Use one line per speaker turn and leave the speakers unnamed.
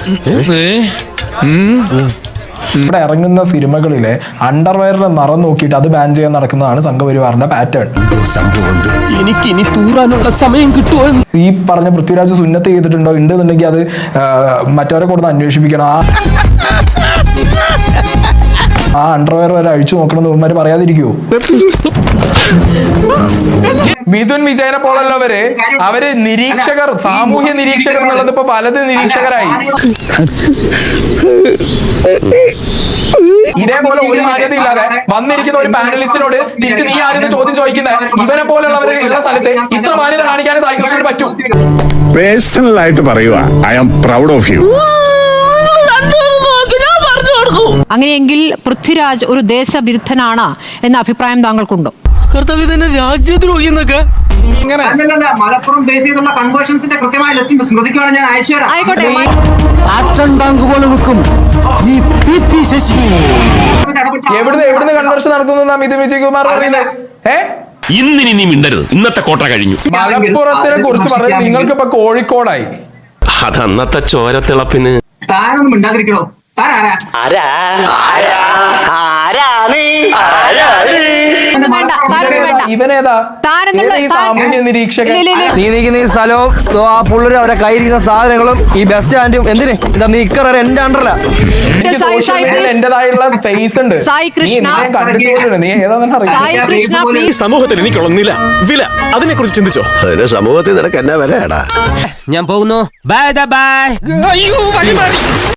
ഇവിടെ ഇറങ്ങുന്ന സിനിമകളിലെ അണ്ടർവെയറിന്റെ നിറം നോക്കിയിട്ട് അത് ബാൻ ചെയ്യാൻ നടക്കുന്നതാണ് സംഘപരിവാറിന്റെ പാറ്റേൺ.
എനിക്ക് ഇനി തൂറാനുള്ള സമയം കിട്ടുമോ?
ഈ പറഞ്ഞ പൃഥ്വിരാജ് സുന്നത്ത് ചെയ്തിട്ടുണ്ടോ ഉണ്ടെന്നുണ്ടെങ്കിൽ അത് മറ്റവരെ കൊടുത്ത് അന്വേഷിപ്പിക്കണം. ആ അണ്ടർവെയർ വരെ അഴിച്ചു നോക്കണം എന്ന് പറയാതിരിക്കുവോ? മിഥുൻ വിജയനെ പോലുള്ളവര് അവര് നിരീക്ഷകർ, സാമൂഹ്യ നിരീക്ഷകർ എന്നുള്ളത് ഇപ്പൊ പലത് നിരീക്ഷകരായി. ഇതേപോലെ ഒരു മാന്യത ഇല്ലാതെ വന്നിരിക്കുന്ന ഒരു പാനലിസ്റ്റിനോട് തിരിച്ച് നീ ആരെന്ന് ചോദ്യം ചോദിക്കുന്നത് ഇവനെ പോലുള്ളവര് ഉള്ള സ്ഥലത്ത് ഇത്ര മാന്യത കാണിക്കാൻ സായി കൃഷ്ണന് പറ്റും.
പേഴ്സണൽ ആയിട്ട് പറയുക, I am proud of you.
അങ്ങനെയെങ്കിൽ പൃഥ്വിരാജ് ഒരു ദേശവിരുദ്ധനാണ് എന്ന അഭിപ്രായം താങ്കൾക്കുണ്ടോ?
രാജ്യദ്രോഹി എന്നൊക്കെ
മലപ്പുറം ബേസ് ചെയ്തുള്ള കൺവേർഷൻസിന്റെ കൃത്യമായ ലിസ്റ്റ് സ്മൃതിക്കുവാണ് ഞാൻ അയച്ചു തരാം.
ആയിക്കോട്ടെ.
എവിടുന്ന് കൺവേർഷൻ നടക്കുന്നു മിഥുൻ വിജയകുമാർ പറയുന്നത്?
ഇന്നിനി നീ മിണ്ടരുത്, ഇന്നത്തെ കോട്ട കഴിഞ്ഞു.
മലപ്പുറത്തിനെ കുറിച്ച് പറഞ്ഞത് നിങ്ങൾക്ക് ഇപ്പൊ കോഴിക്കോടായി.
അതന്നത്തെ ചോരത്തിളപ്പിന്
താനൊന്നും മിണ്ടാതിരിക്കണോ? താൻ ആരാ?
ഇവനേതാ? സാമൂഹ്യ നിരീക്ഷകൻ.
നീ നിൽക്കുന്ന ഈ സ്ഥലവും ആ പുള്ളരും അവരെ കയ്യിരിക്കുന്ന സാധനങ്ങളും ഈ ബസ് സ്റ്റാൻഡും എന്തിന് നിക്കറ എന്റെ അണ്ടറല്ല.
എന്റേതായുള്ള സ്പേസ് ഉണ്ട്. നീ ഏതാണെന്ന്
സമൂഹത്തിൽ എനിക്കുള്ള വില അതിനെ കുറിച്ച് ചിന്തിച്ചോ?
അതിന് സമൂഹത്തിൽ നിനക്ക് എന്നാ വിലയാടാ?
ഞാൻ പോകുന്നു. Bye by.